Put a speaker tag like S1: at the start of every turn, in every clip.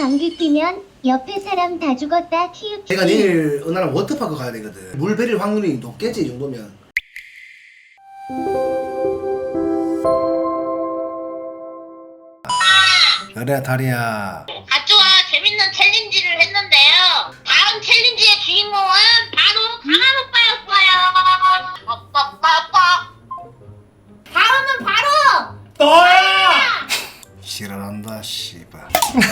S1: 방귀 뀌면 옆에 사람 다 죽었다 키읔.
S2: 내가 내일 은하랑 워터파크 가야 되거든. 물 베릴 확률이 높겠지 이 정도면. 그래 다리야.
S3: 가쪼와 재밌는 챌린지를 했는데요. 다음 챌린지의 주인공은 바로 강한 오빠였어요. 빠빠빠빠. 다음은 바로
S2: 너야! 싫어한다 씨발.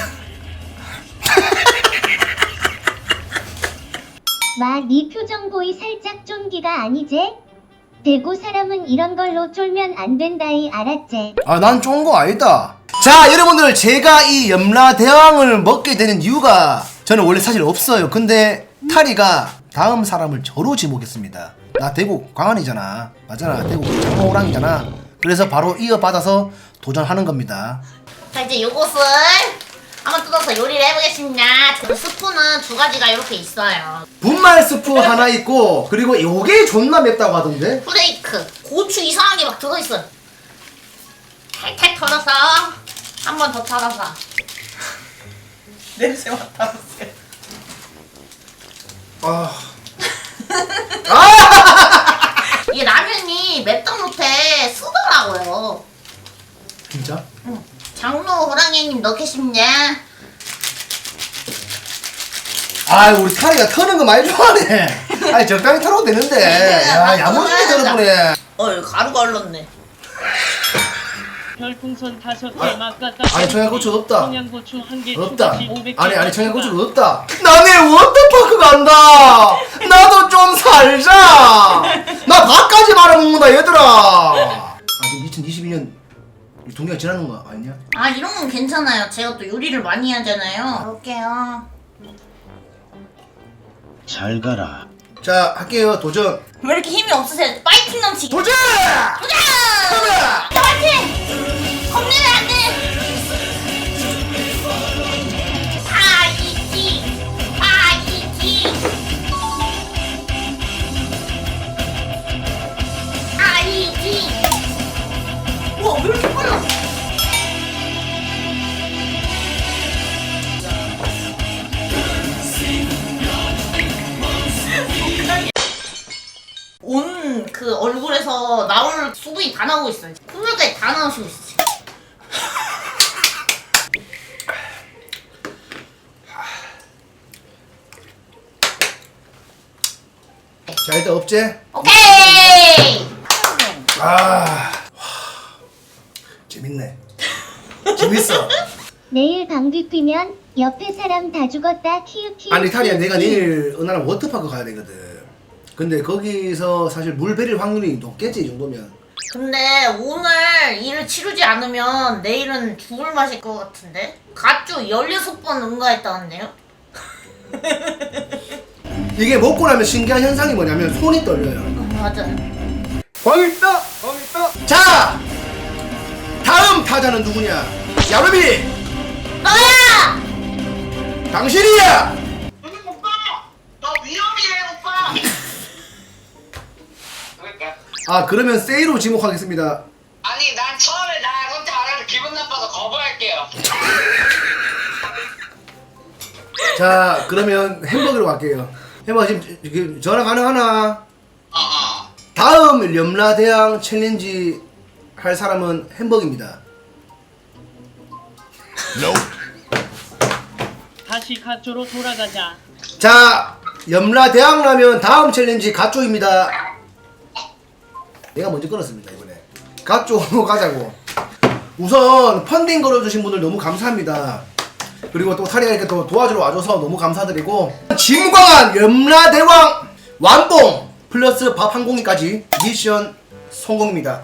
S1: 마, 네 표정 보이 살짝 쫀기가 아니제? 대구 사람은 이런 걸로 쫄면 안 된다이 알았제?
S2: 아 난 쫀 거 아니다. 자 여러분들, 제가 이 염라대왕을 먹게 되는 이유가 저는 원래 사실 없어요. 근데 타리가 다음 사람을 저로 지목했습니다. 나 대구 광안이잖아. 맞잖아. 대구 장모호랑이잖아. 그래서 바로 이어받아서 도전하는 겁니다.
S3: 자, 이제 요것을 한번 뜯어서 요리를 해보겠습니다. 그 스프는 두 가지가 이렇게 있어요.
S2: 분말 스프 하나 있고, 그리고 요게 존나 맵다고 하던데.
S3: 프레이크, 고추 이상한 게 막 들어있어요. 탈탈 털어서 한 번 더 털어서.
S4: 냄새 맡아보세요.
S3: 이게 라면이 맵다 못해 쓰더라고요.
S2: 진짜?
S3: 응. 장로 호랑이님 넣겠습니다.
S2: 아 우리 타리가 터는 거 많이 좋아하네. 아니 적당히 털어도 되는데. 야 야무지게 털어보네.
S4: 이거 가루가 얼렀네.
S5: 별풍선 5개 막갔다.
S2: 아니 청양고추 없다.
S5: 청양고추 1개
S2: 없다.
S5: 추가시 500개.
S2: 아니 청양고추가 없다. 나네 워터파크 간다. 나도 좀 살자. 나 밥까지 말아먹는다 얘들아. 아직 2022년 동기가 지나는 거 아니냐?
S3: 아, 이런 건 괜찮아요. 제가 또 요리를 많이 하잖아요. 볼게요.
S6: 잘 가라.
S2: 자 할게요. 도전.
S3: 왜 이렇게 힘이 없으세요? 파이팅 넘치게.
S2: 도전!
S3: 도전! 파이팅! 겁내면 안 돼! 파이팅! 파이팅! 파이팅! 우와, 왜 이렇게 빨라? 온 그 얼굴에서 나올 수분이 다 나오고 있어요. 콧물까지 다 나오시고 있어요.
S2: 자 일단 업제.
S3: 오케이!
S2: 아 재밌네. 재밌어.
S1: 내일 방귀 뀌면 옆에 사람 다 죽었다 키읔 키읔.
S2: 아니 타리야, 내가 내일 은하랑 워터파크 가야 되거든. 근데 거기서 사실 물 베릴 확률이 높겠지 이 정도면.
S3: 근데 오늘 일을 치르지 않으면 내일은 죽을 맛일 것 같은데? 가쭈 16번 응가했다는데요?
S2: 이게 먹고 나면 신기한 현상이 뭐냐면 손이 떨려요.
S3: 맞아요.
S2: 광있다! 광있다! 자! 다음 타자는 누구냐? 야루비!
S3: 너야!
S2: 당신이야!
S3: 오빠! 너 위험이래 오빠!
S2: 아 그러면 세이로 지목하겠습니다.
S7: 아니 난 처음에 나 선택 안 해서 기분 나빠서 거부할게요.
S2: 자 그러면 햄버거로 갈게요. 햄버거 지금 전화 가능하나? 다음 염라대왕 챌린지 할 사람은 햄버거입니다.
S5: 다시 가쪼로 돌아가자.
S2: 자 염라대왕 라면 다음 챌린지 가쪼입니다. 내가 먼저 끊었습니다 이번에. 가쪼로 가자고. 우선 펀딩 걸어주신 분들 너무 감사합니다. 그리고 또 타리가 이렇게 또 도와주러 와줘서 너무 감사드리고, 진광한 염라대왕 완봉 플러스 밥 한 공기까지 미션 성공입니다.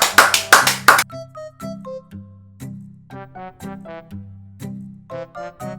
S3: 성공!